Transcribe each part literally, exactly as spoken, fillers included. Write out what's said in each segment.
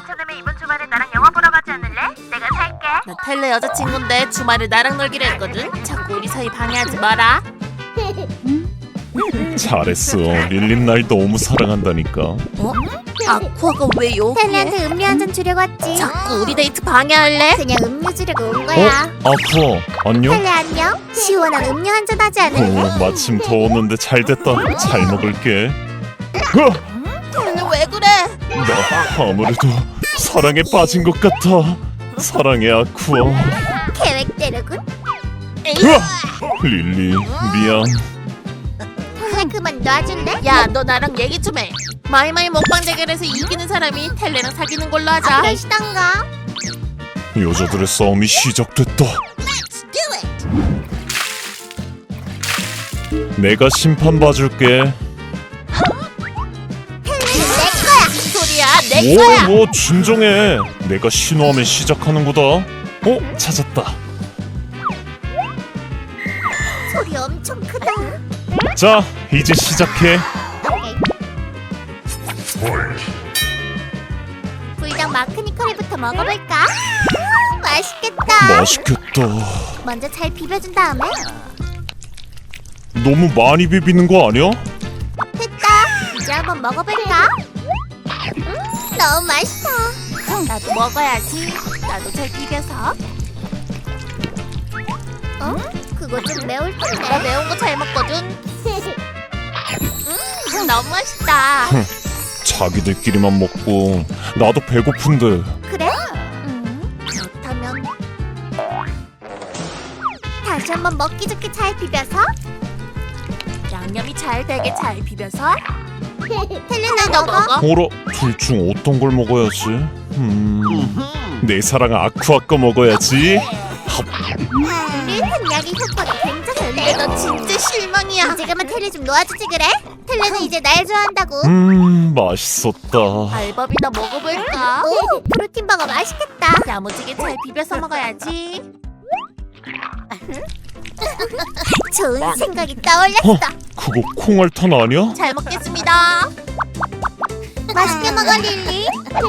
괜찮으면 이번 주말에 나랑 영화 보러 가지 않을래? 내가 살게. 나 텔레 여자친구인데 주말에 나랑 놀기로 했거든. 자꾸 우리 사이 방해하지 마라. 잘했어. 릴린 날 너무 사랑한다니까. 어? 아쿠아가 왜 여기에? 텔레한테 음료 한 잔 주려고 왔지. 자꾸 우리 데이트 방해할래? 그냥 음료 주려고 온 어? 거야. 아쿠아 안녕? 텔레 안녕. 시원한 음료 한 잔 하지 않을래? 어, 마침 더웠는데 잘됐다. 잘 먹을게. 으아! 텔레 왜 그래? 나 아무래도 사랑에 빠진 것 같아. 사랑해 아쿠아. 계획대로군. 으아! 릴리 미안. 텔레 그만 놔줄래? 야, 너 나랑 얘기 좀 해. 마이마이 먹방 대결에서 이기는 사람이 텔레랑 사귀는 걸로 하자. 계시던가. 여자들의 싸움이 시작됐다. 내가 심판 봐줄게. 무슨 소리야? 내 거야. 뭐, 뭐 진정해. 내가 신호하면 시작하는 거다. 어? 찾았다. 소리 엄청 크다. 자, 이제 시작해. 불닭 마크니커리부터 먹어볼까? 음, 맛있겠다. 맛있겠다. 먼저 잘 비벼준 다음에 너무 많이 비비는 거 아니야? 됐다. 이제 한번 먹어볼까? 음, 너무 맛있어. 나도 먹어야지. 나도 잘 비벼서. 어? 그거 좀 매울 나 텐데. 매운 거 잘 먹거든. 음, 너무 맛있다. 자기들끼리만 먹고 나도 배고픈데. 그래? 음, 그렇다면 다시 한번 먹기 좋게 잘 비벼서. 양념이 잘 되게 잘 비벼서. 텔레나 너 먹어. 먹어. 어라, 둘 중 어떤 걸 먹어야지? 음, 내 사랑 아쿠아 거 먹어야지. 우리 한약의 효과가 굉장히 텔레 좋네. 너 진짜 실망이야. 이제 그만 텔레 좀 놓아주지 그래? 텔레는 이제 날 좋아한다고. 음, 맛있었다. 알밥이나 먹어볼까? 오, 프로틴 버거 맛있겠다. 야무지게 잘 비벼서 먹어야지. 좋은 생각이 떠올랐어. 그거 콩알탄 아니야? 잘 먹겠습니다. 맛있게 먹어 릴리.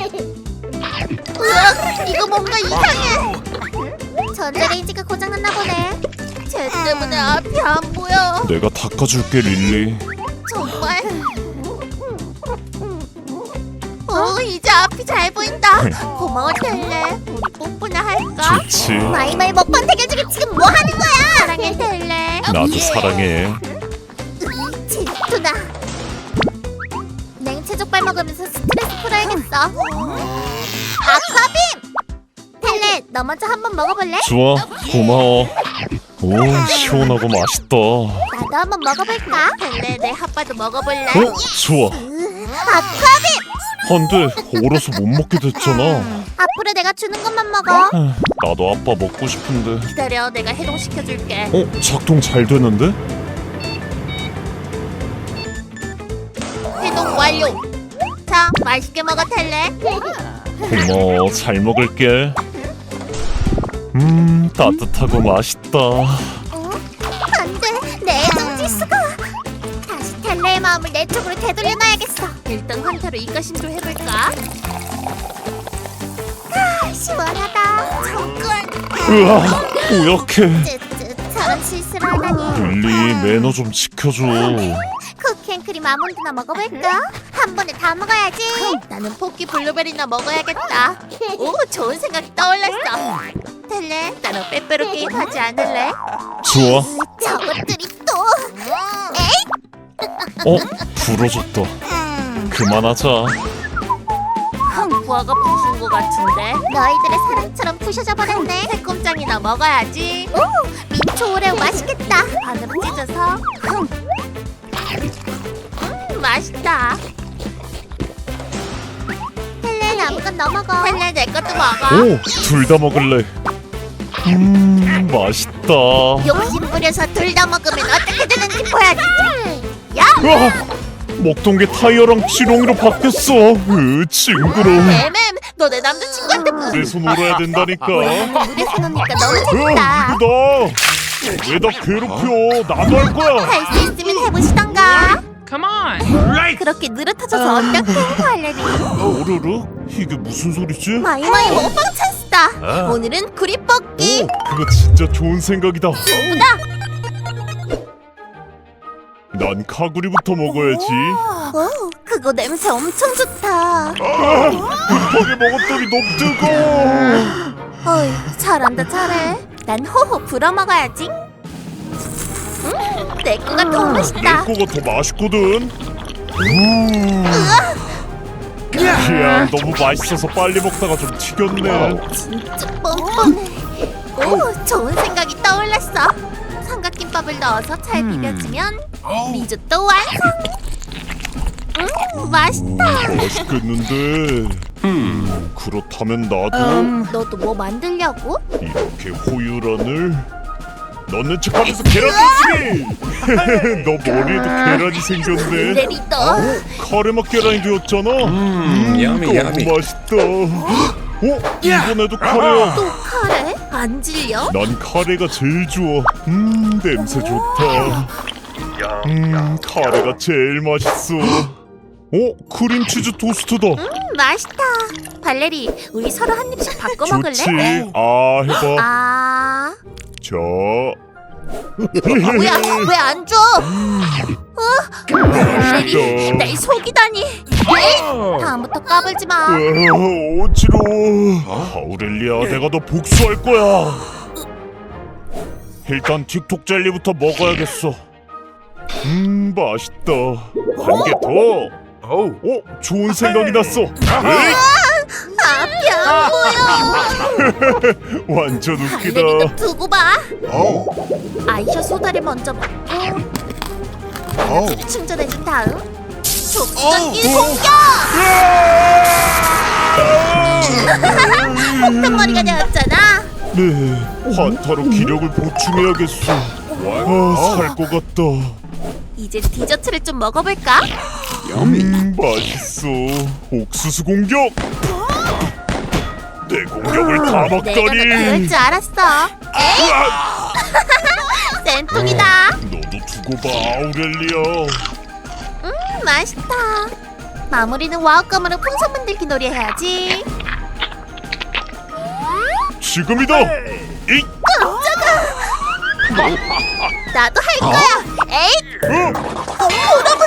으악, 이거 뭔가 이상해. 전자레인지가 고장났나 보네. 쟤 때문에 앞이 안 보여. 내가 닦아줄게 릴리. 정말. 어, 이제 앞이 잘 보인다. 고마워 텔레. 우리 뽀뽀나 할까? 좋지. 마이마이 먹방 대결 중에 지금 뭐 하는 거야? 사랑해 텔레. 나도 사랑해. 질투나. 냉채 족발 먹으면서 스트레스 풀어야겠어. 아쿠아빔! 텔레, 너 먼저 한번 먹어볼래? 좋아, 고마워. 오, 시원하고 맛있다. 나도 한번 먹어볼까? 텔레 내 핫바도 먹어볼래? 어? 좋아. 아쿠아빔! 안돼, 얼어서 못 먹게 됐잖아. 앞으로 내가 주는 것만 먹어. 아, 나도 아빠 먹고 싶은데. 기다려, 내가 해동시켜줄게. 어? 작동 잘 되는데? 해동 완료. 자, 맛있게 먹어 텔레. 고마워, 잘 먹을게. 음, 따뜻하고 맛있다. 어? 안 돼, 내 애정 지수가. 다시 텔레의 마음을 내 쪽으로 되돌려놔야겠어. 일단 환타로 이가심도 해볼까? 아, 시원하다. 정글. 으아, 오약해. 쯔쯔, 저런 실수를 하다니. 릴리, 매너 좀 지켜줘. 쿠키앤크림 아몬드나 먹어볼까? 한 번에 다 먹어야지. 나는 포키 블루베리나 먹어야겠다. 오, 좋은 생각이 떠올랐어. 텔레, 나랑 빼빼로 게임 하지 않을래? 좋아. 저것들이 또. 에이, 어? 부러졌다. 그만하자. 부하가 부순 것 같은데. 너희들의 사랑처럼 부셔져 버렸네. 새콤장이나 먹어야지. 오, 민초 오레오 맛있겠다. 반으로 찢어서. 음, 맛있다. 텔레 아무건 너 먹어. 텔레 내 것도 먹어. 오, 둘 다 먹을래. 음, 맛있다. 욕심 부려서 둘 다 먹으면 어떻게 되는지 보여주지. 으아! 먹던 게 타이어랑 지렁이로 바뀌었어. 으, 징그러워. 맴맴, 너 내 남자친구한테 무슨 그래서 놀아야 된다니까. 물에서 노니까 너무 으, 재밌다. 누구다? 왜 나 괴롭혀? 나도 할 거야. 할 수 있으면 해보시던가. Come on. 그렇게 느릿해져서 어떻게 할래니? 뽀르르? 이게 무슨 소리지? 마이마이 먹방 찬스다. 아. 오늘은 구리 뽑기. 오, 그거 진짜 좋은 생각이다. 난 카구리부터 먹어야지. 오, 그거 냄새 엄청 좋다. 급하게 먹었더니 너무 뜨거워. 어이, 잘한다 잘해. 난 호호 불어 먹어야지. 음, 내 거가 더 내 맛있다. 거가 더 맛있거든. 음. 야, 너무 맛있어서 빨리 먹다가 좀 튀겼네. 진짜 뻔뻔해. 오, 좋은 생각이 떠올랐어. 삼각김밥을 넣어서 잘 비벼주면 리조또 완성. 음, 맛있다. 맛있겠는데. 음, 그렇다면 나도 음, 너도 뭐 만들려고? 이렇게 호유란을 넣는 척하면서 계란 넣지. 너 머리에도 계란이 생겼네. 레리또. 카레맛 계란이 되었잖아. 음, 야미, 너무 야미. 맛있다. 어? 이번에도 카레야. 또 카레? 안 질려? 난 카레가 제일 좋아. 음, 냄새 좋다. 음, 카레가 제일 맛있어. 어? 크림치즈 토스트다. 음, 맛있다. 발레리, 우리 서로 한 입씩 바꿔 먹을래? 좋지. 아, 해봐. 아, 자. 뭐야? 왜 안 줘? 어? 발레리, 맛있다. 날 속이다니. 에이, 다음부터 까불지 마. 아, 어지러워. 아우렐리아, 내가 너 복수할 거야. 일단 틱톡 젤리부터 먹어야겠어. 음, 맛있다. 한 개 더. 어우. 어, 좋은 생각이 났어. 에이, 아, 뭐야? 완전 웃기다. 발레리도 두고 봐. 어우, 아이셔 소다를 먼저 먹고 에너지를 충전해준 다음 족전기 공격! 폭탄머리가 되었잖아. 네, 환타로 기력을 보충해야겠어. 아, 살 것 같다. 이제 디저트를 좀 먹어볼까? 음, 맛있어. 옥수수 공격. 내 공격을 다 내가 너 그럴 막다니. 줄 알았어. 으악! 센통이다. 너도 두고 봐, 아우렐리아. 음, 맛있다. 마무리는 와우감으로 풍선 만들기 놀이 해야지. 지금이다. 이, 나도 할 거야. 에잇! 어? 보러보러